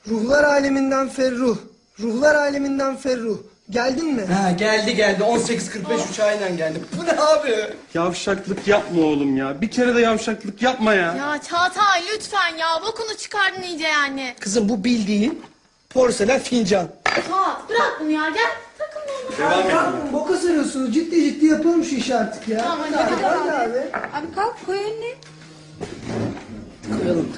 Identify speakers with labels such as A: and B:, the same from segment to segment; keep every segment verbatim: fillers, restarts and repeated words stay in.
A: Ruhlar aleminden Ferruh. Ruhlar aleminden Ferruh. Geldin mi?
B: Ha geldi geldi. on sekiz kırk beş uçağıyla geldi. Bu ne abi?
C: Yavşaklık yapma oğlum ya. Bir kere de yavşaklık yapma ya.
D: Ya Çağatay lütfen ya. Bokunu çıkardın iyice yani.
B: Kızım bu bildiğin porselen fincan.
D: Çağat bırak bunu ya. Gel takılma ona.
C: Devam et.
A: Kalkın, boka sarıyorsunuz. Ciddi ciddi yapalım şu işi artık ya.
D: Tamam, hadi,
A: hadi,
D: hadi.
A: hadi abi.
E: Abi kalk koy önüne.
B: Koyalım.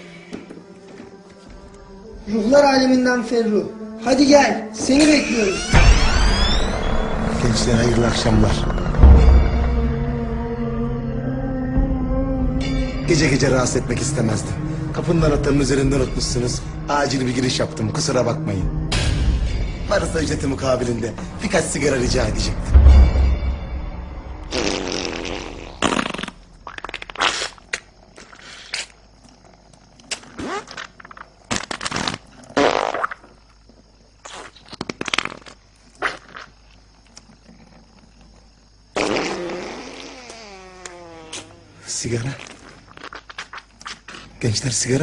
A: Ruhlar aleminden Ferruh. Hadi gel. Seni bekliyoruz.
F: Gençler hayırlı akşamlar. Gece gece rahatsız etmek istemezdim. Kapının anahtarının üzerinde unutmuşsunuz. Acil bir giriş yaptım, kusura bakmayın. Varsa ücreti mukabilinde birkaç sigara rica edecektim. Sigara. Gençler sigara.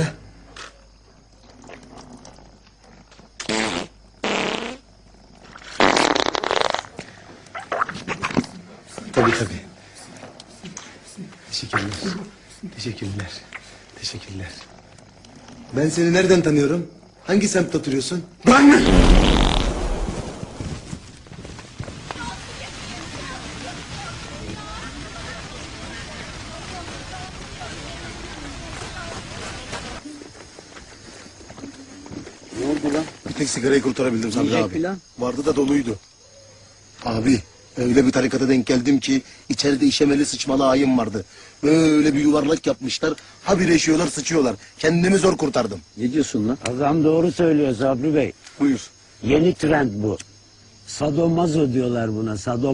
F: Tabii tabii. Teşekkürler. Teşekkürler. Teşekkürler. Ben seni nereden tanıyorum? Hangi semtte oturuyorsun?
C: Ben mi?
F: Ne oldu lan? Bir tek sigarayı kurtarabildim Sabri abi.
B: plan?
F: Vardı da doluydu. Abi öyle bir tarikata denk geldim ki içeride işemeli sıçmalı ayım vardı. Böyle bir yuvarlak yapmışlar. Habire işiyorlar sıçıyorlar. Kendimi zor kurtardım.
G: Ne diyorsun lan?
H: Adam doğru söylüyor Sabri Bey.
F: Buyur.
H: Yeni trend bu. Sadomazo diyorlar buna. Sado